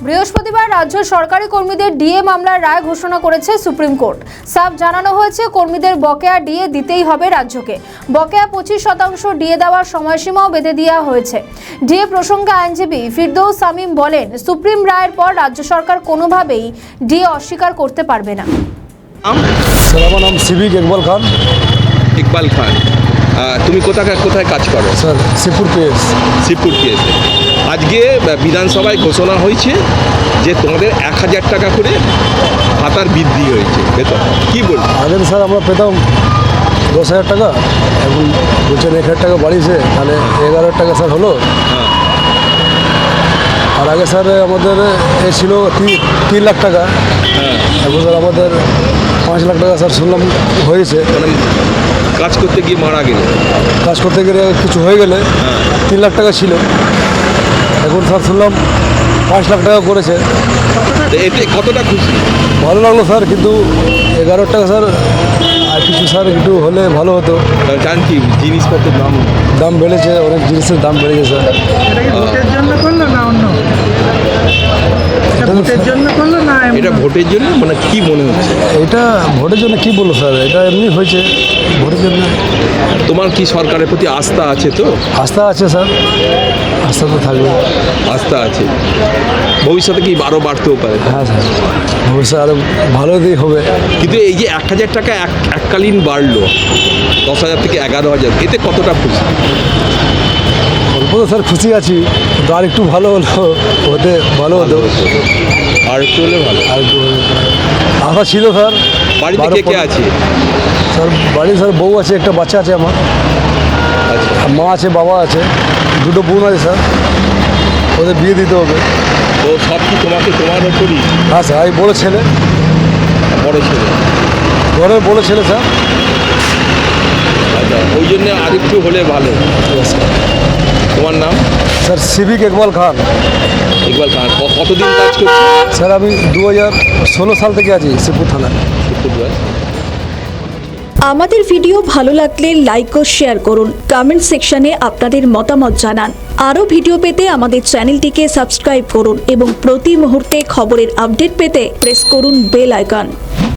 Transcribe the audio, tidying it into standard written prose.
বৃহস্পতিবার রাজ্য সরকারি কর্মীদের ডিএ মামলার রায় ঘোষণা করেছে সুপ্রিম কোর্ট। সাফ জানানো হয়েছে কর্মীদের বকেয়া ডিএ দিতেই হবে রাজ্যকে। বকেয়া 25% ডিএ দেওয়ার সময়সীমাও বেঁধে দেওয়া হয়েছে। ডিএ প্রসঙ্গে আইনজীবী ফিরদৌস শামীম বলেন, সুপ্রিম রায়ের পর রাজ্য সরকার কোনোভাবেই ডিএ অস্বীকার করতে পারবে না। আমার নাম সিভিক ইকবাল খান। ইকবাল খান, তুমি কোথায় কাজ করো? Sir Shibpur KS. আজকে বিধানসভায় ঘোষণা হয়েছে যে তোমাদের 1000 টাকা করে ভাতার বৃদ্ধি হয়েছে বেতন। কি বলবো? আগে স্যার আমরা পেতাম 10,000 টাকা, এখন বলছেন 1,000 টাকা বাড়িয়েছে, তাহলে 11,000 টাকা স্যার হলো। হ্যাঁ। আর আগে স্যার আমাদের এ ছিল 3 লাখ টাকা। হ্যাঁ। এখন স্যার আমাদের 5 লাখ টাকা স্যার শুনলাম হয়েছে। মানে কাজ করতে গিয়ে মারা গেলে, কাজ করতে গেলে কিছু হয়ে গেলে 3 লাখ টাকা ছিল, এখন স্যার শুনলাম 5 লাখ টাকা করেছে। তো এতে কতটা খুশি? ভালো লাগলো স্যার, কিন্তু 11 টাকা স্যার আর কিছু স্যার একটু হলে ভালো হতো। জান কি জিনিসপত্রের দাম বেড়েছে, অনেক জিনিসের দাম বেড়েছে স্যার। ভোটের জন্য করলো না অন্য? ভোটের জন্য করলো না এটা ভোটের জন্য, মানে কি মনে হচ্ছে? এটা ভোটের জন্য কি বলবো স্যার, এটা এমনি হয়েছে ভোটের জন্য। তোমার কি সরকারের প্রতি আস্থা আছে? তো আস্থা আছে স্যার, আস্থা তো থাকবে। আস্থা আছে, ভবিষ্যতে কি আরও বাড়তেও পারে। হ্যাঁ স্যার, ভবিষ্যৎ আরও ভালো দিক হবে। কিন্তু এই যে 1000 টাকা এককালীন বাড়লো 10,000 থেকে 11,000, এতে কতটা খুশি? অল্প তো স্যার খুশি আছি, কিন্তু আর একটু ভালো হলো হতে ভালো হতো। আর একটু হলে ভালো। আর একটু আশা ছিল স্যার। বাড়িতে কে কে আছে? স্যার বাড়ি স্যার বউ আছে, একটা বাচ্চা আছে আমার, আচ্ছা। মা আছে, বাবা আছে, 2 বোন আছে স্যার, ওদের বিয়ে দিতে হবে। তো সব কি তোমার ওপরই? হ্যাঁ স্যার, এই বড় ছেলে, বড় ছেলে। ঘরের বড় ছেলে স্যার। আচ্ছা, ওই জন্য আরেকটু হলে ভালো। তোমার নাম? Sir civic Iqbal Khan. ইকবাল খান, কতদিন কাজ করছো? স্যার আমি 2016 সাল থেকে আছি শিবপুর থানায়। আমাদের ভিডিও ভালো লাগলে লাইক ও শেয়ার করুন, কমেন্ট সেকশনে আপনাদের মতামত জানান। আরও ভিডিও পেতে আমাদের চ্যানেলটিকে সাবস্ক্রাইব করুন এবং প্রতি মুহূর্তে খবরের আপডেট পেতে প্রেস করুন বেল আইকন।